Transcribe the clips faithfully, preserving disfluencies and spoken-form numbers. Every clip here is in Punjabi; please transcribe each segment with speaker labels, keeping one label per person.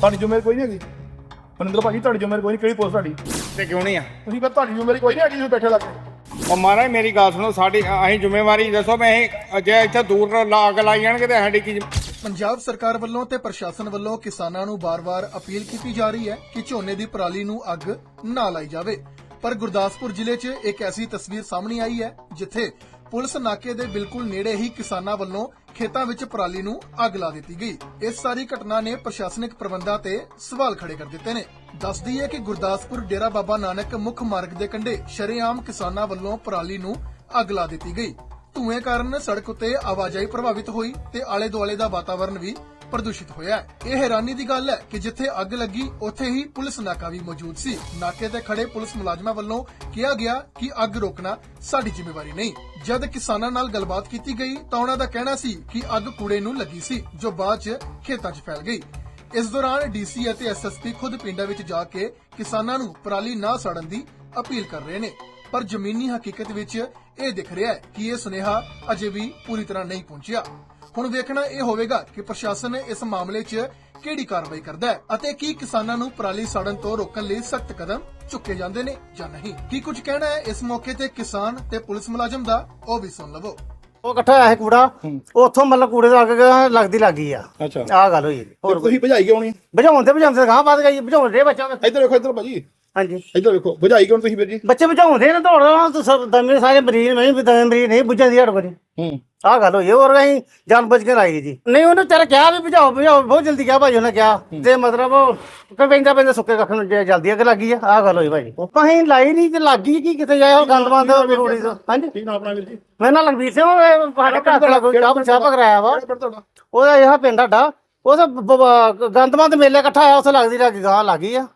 Speaker 1: ਤੁਹਾਡੀ ਜ਼ਿੰਮੇਵਾਰੀ ਕੋਈ ਨਹੀਂ ਹੈਗੀ ਮਨਿੰਦਰ ਭਾਜੀ, ਤੁਹਾਡੀ ਜ਼ਿੰਮੇਵਾਰੀ ਕੋਈ ਨਹੀਂ। ਕਿਹੜੀ ਪੋਸਟ ਤੁਹਾਡੀ
Speaker 2: ਤੇ ਕਿਉਂ ਨਹੀਂ ਆ?
Speaker 1: ਤੁਸੀਂ ਕਹਿੰਦੇ ਤੁਹਾਡੀ ਜ਼ਿੰਮੇਵਾਰੀ ਕੋਈ ਨਹੀਂ ਹੈਗੀ, ਤੁਸੀਂ ਬੈਠੇ ਲੱਗੇ।
Speaker 2: ਉਹ ਮਹਾਰਾਜ ਮੇਰੀ ਗੱਲ ਸੁਣੋ, ਸਾਡੀ ਅਸੀਂ ਜ਼ਿੰਮੇਵਾਰੀ ਦੱਸੋ। ਮੈਂ ਇਹ ਜੇ ਇੱਥੇ ਦੂਰ ਅੱਗ ਲਾਈ ਜਾਣਗੇ ਤੇ ਸਾਡੀ ਕੀ?
Speaker 3: ਪੰਜਾਬ ਸਰਕਾਰ ਵੱਲੋਂ ਤੇ ਪ੍ਰਸ਼ਾਸਨ ਵੱਲੋਂ ਕਿਸਾਨਾਂ ਨੂੰ ਬਾਰ-ਬਾਰ ਅਪੀਲ ਕੀਤੀ ਜਾ ਰਹੀ ਹੈ ਕਿ ਝੋਨੇ ਦੀ ਪਰਾਲੀ ਨੂੰ ਅੱਗ ਨਾ ਲਾਈ ਜਾਵੇ, ਪਰ ਗੁਰਦਾਸਪੁਰ ਜ਼ਿਲ੍ਹੇ 'ਚ ਇੱਕ ਐਸੀ ਤਸਵੀਰ ਸਾਹਮਣੇ ਆਈ ਹੈ ਜਿੱਥੇ ਪੁਲਿਸ ਨਾਕੇ ਦੇ ਬਿਲਕੁਲ ਨੇੜੇ ਹੀ ਕਿਸਾਨਾਂ ਵੱਲੋਂ ਖੇਤਾਂ ਵਿੱਚ ਪਰਾਲੀ ਨੂੰ ਅੱਗ ਲਾ ਦਿੱਤੀ ਗਈ। ਇਸ ਸਾਰੀ ਘਟਨਾ ਨੇ ਪ੍ਰਸ਼ਾਸਨਿਕ ਪ੍ਰਬੰਧਾਂ ਤੇ ਸਵਾਲ ਖੜੇ ਕਰ ਦਿੱਤੇ ਨੇ। ਦੱਸਦੀ ਹੈ ਕਿ ਗੁਰਦਾਸਪੁਰ ਡੇਰਾ ਬਾਬਾ ਨਾਨਕ ਮੁੱਖ ਮਾਰਗ ਦੇ ਕੰਢੇ ਸ਼ਰੇਆਮ ਕਿਸਾਨਾਂ ਵੱਲੋਂ ਪਰਾਲੀ ਨੂੰ ਅੱਗ ਲਾ ਦਿੱਤੀ ਗਈ। ਧੂਏ ਕਾਰਨ ਸੜਕ ਉੱਤੇ ਆਵਾਜਾਈ ਪ੍ਰਭਾਵਿਤ ਹੋਈ ਤੇ ਆਲੇ ਦੁਆਲੇ ਦਾ ਵਾਤਾਵਰਣ ਵੀ ਪ੍ਰਦੂਸ਼ਿਤ ਹੋਇਆ। ਇਹ ਹੈਰਾਨੀ ਦੀ ਗੱਲ ਹੈ ਕਿ ਜਿੱਥੇ ਅੱਗ ਲੱਗੀ ਉੱਥੇ ਹੀ ਪੁਲਿਸ ਨਾਕਾ ਵੀ ਮੌਜੂਦ ਸੀ। ਨਾਕੇ ਤੇ ਖੜੇ ਪੁਲਿਸ ਮੁਲਾਜ਼ਮਾਂ ਵੱਲੋਂ ਕਿਹਾ ਗਿਆ ਕਿ ਅੱਗ ਰੋਕਣਾ ਸਾਡੀ ਜ਼ਿੰਮੇਵਾਰੀ ਨਹੀਂ। ਜਦ ਕਿਸਾਨਾਂ ਨਾਲ ਗੱਲਬਾਤ ਕੀਤੀ ਗਈ ਤਾਂ ਉਹਨਾਂ ਦਾ ਕਹਿਣਾ ਸੀ ਕਿ ਅੱਗ ਕੂੜੇ ਨੂੰ ਲੱਗੀ ਸੀ, ਜੋ ਬਾਅਦ 'ਚ ਖੇਤਾਂ 'ਚ ਫੈਲ ਗਈ। ਇਸ ਦੌਰਾਨ ਡੀਸੀ ਅਤੇ ਐਸਐਸਪੀ ਖੁਦ ਪਿੰਡਾਂ ਵਿੱਚ ਜਾ ਕੇ ਕਿਸਾਨਾਂ ਨੂੰ ਪਰਾਲੀ ਨਾ ਸਾੜਨ ਦੀ ਅਪੀਲ ਕਰ ਰਹੇ ਨੇ, ਪਰ ਜ਼ਮੀਨੀ ਹਕੀਕਤ ਵਿੱਚ ਇਹ ਦਿਖ ਰਿਹਾ ਹੈ ਕਿ ਇਹ ਸੁਨੇਹਾ ਅਜੇ ਵੀ ਪੂਰੀ ਤਰ੍ਹਾਂ ਨਹੀਂ ਪਹੁੰਚਿਆ। ਹੁਣ ਵੇਖਣਾ ਇਹ ਹੋਵੇਗਾ ਕਿ ਪ੍ਰਸ਼ਾਸਨ ਇਸ ਮਾਮਲੇ 'ਚ ਕਿਹੜੀ ਕਾਰਵਾਈ ਕਰਦਾ ਹੈ ਅਤੇ ਕੀ ਕਿਸਾਨਾਂ ਨੂੰ ਪਰਾਲੀ ਸਾੜਨ ਤੋਂ ਰੋਕਣ ਲਈ ਸਖਤ ਕਦਮ ਚੁੱਕੇ ਜਾਂਦੇ ਨੇ ਜਾਂ ਨਹੀਂ। ਕੀ ਕੁਝ ਕਹਿਣਾ ਹੈ ਇਸ ਮੌਕੇ ਤੇ ਕਿਸਾਨ ਤੇ ਪੁਲਿਸ ਮੁਲਾਜ਼ਮ ਦਾ, ਉਹ ਵੀ ਸੁਣ ਲਵੋ।
Speaker 4: ਉਹ ਇਕੱਠਾ ਹੋਇਆ ਸੀ ਕੂੜਾ, ਉੱਥੋਂ ਮਤਲਬ ਕੂੜੇ ਤੋਂ ਅੱਗ ਲੱਗਦੀ ਲੱਗੀ ਆ।
Speaker 1: ਅੱਛਾ,
Speaker 4: ਆਹ ਗੱਲ ਹੋਈ।
Speaker 1: ਹੋਰ ਤੁਸੀਂ ਭਜਾਈ ਕਿਉਂ ਨਹੀਂ?
Speaker 4: ਬੁਝਾਉਣ ਤੇ ਬੁਝਾਉਂਦੇ ਗਾਂ ਵੱਧ ਗਈ, ਬੁਝਾਉਣ ਦੇ ਬੱਚਾ।
Speaker 1: ਇੱਧਰ ਵੇਖੋ, ਇੱਧਰ ਭਾਜੀ,
Speaker 4: ਹਾਂਜੀ
Speaker 1: ਇੱਧਰ ਵੇਖੋ, ਭਜਾਈ ਕਿਉਂ ਤੁਸੀਂ ਵੀਰ ਜੀ?
Speaker 4: ਬੱਚੇ ਬੁਝਾਉਂਦੇ ਨੇ, ਦੌੜ ਦਮੇ ਸਾਰੇ ਮਰੀਜ਼ ਨਹੀਂ ਵੀ ਦਮੇ ਮਰੀਜ਼ ਨਹੀਂ ਬੁਝਾਉਂਦੀ ਹੜ ਕੋਲ।
Speaker 1: ਹੂੰ,
Speaker 4: ਆਹ ਗੱਲ ਹੋਈ। ਹੋਰ ਅਸੀਂ ਜਾਨ ਬੁੱਝ ਕੇ ਲਾਈ ਜੀ। ਨਹੀਂ ਉਹਨੇ ਤੇਰਾ ਕਿਹਾ ਵੀ ਬੁਝਾਓ ਬੁਝਾਓ, ਬਹੁਤ ਜਲਦੀ ਕਿਹਾ ਭਾਈ ਉਹਨੇ ਕਿਹਾ, ਤੇ ਮਤਲਬ ਪੈਂਦਾ ਪੈਂਦਾ ਸੁੱਕੇ ਕੱਖ ਨੂੰ ਜਲਦੀ ਅੱਗ ਲੱਗੀ ਆ। ਆਹ ਗੱਲ ਹੋਈ ਭਾਈ। ਅਸੀਂ ਲਾਈ ਨਹੀਂ ਤੇ ਲੱਗੀ ਕੀ ਕਿਤੇ ਜਾਏ ਉਹ ਗੰਦ ਬੰਦ ਰੋੜੀ ਤੋਂ। ਹਾਂਜੀ,
Speaker 1: ਕੀ ਨਾਮ ਆਪਣਾ ਵੀਰ ਜੀ?
Speaker 4: ਮੈਂ ਨਾ ਲਖਬੀਰ ਸਿੰਘ, ਸਾਡੇ ਘਰ ਤੋਂ ਲੱਗੋ ਚਾਹ ਚਾਹ ਕਰਾਇਆ ਵਾ।
Speaker 1: ਕਿਹੜਾ ਪਿੰਡ ਤੁਹਾਡਾ?
Speaker 4: ਉਹਦਾ ਇਹ ਪਿੰਡ ਸਾਡਾ, ਉਹ ਤਾਂ ਗੰਦਮੰਦ ਮੇਲੇ ਇਕੱਠਾ ਆਇਆ, ਉੱਥੇ ਲੱਗਦੀ ਲੱਗੀ ਗਾਂ ਲੱਗੀ ਆ।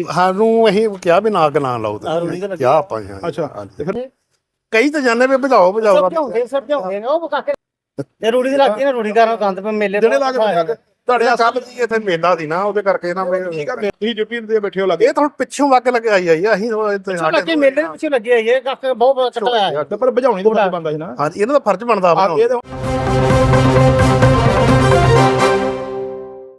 Speaker 5: ਸਾਨੂੰ ਅਸੀਂ ਕਿਹਾ ਵੀ ਨਾ ਅੱਗ ਨਾ ਲਾਓ, ਕਿਹਾ ਆਪਾਂ।
Speaker 1: ਅੱਛਾ, ਤੇ ਫਿਰ
Speaker 5: ਕਈ ਤਾਂ ਜਾਣੇ ਵੀ ਭਜਾਓ ਭਜਾਓ
Speaker 4: ਸਮਝਾਉਂਦੇ ਸਮਝਾਉਂਦੇ ਨੇ ਉਹ ਕਾਕੇ ਇਹ ਰੂੜੀ ਦੀ ਲੱਗੀ ਨਾ, ਰੂੜੀ ਕਰਨ ਗੰਦ ਪੇ ਮੇਲੇ
Speaker 1: ਜਿਹੜੇ ਲਾ ਕੇ
Speaker 5: ਤੁਹਾਡੇ ਕੱਲ ਜੀ ਇੱਥੇ ਮੇਲਾ ਸੀ ਨਾ, ਉਹਦੇ ਕਰਕੇ ਨਾ
Speaker 1: ਤੁਸੀਂ ਡਿਊਟੀ ਤੇ ਬੈਠੇ ਹੋ ਲੱਗੇ।
Speaker 5: ਇਹ ਤਾਂ ਹੁਣ ਪਿੱਛੋਂ ਅੱਗ ਲਗਾਈ ਆਈ ਆ। ਅਸੀਂ
Speaker 4: ਲੱਗੇ ਮੇਲੇ ਦੇ ਪਿੱਛੇ ਲੱਗੇ ਆਈ ਇਹ ਕਾਕੇ ਬਹੁਤ ਕੱਟਾ ਆਇਆ,
Speaker 1: ਪਰ ਭਜਾਉਣੀ ਤਾਂ ਬੰਦਾ ਸੀ ਨਾ।
Speaker 5: ਹਾਂਜੀ, ਇਹਨਾਂ ਦਾ ਫਰਜ਼ ਬਣਦਾ ਵਾ।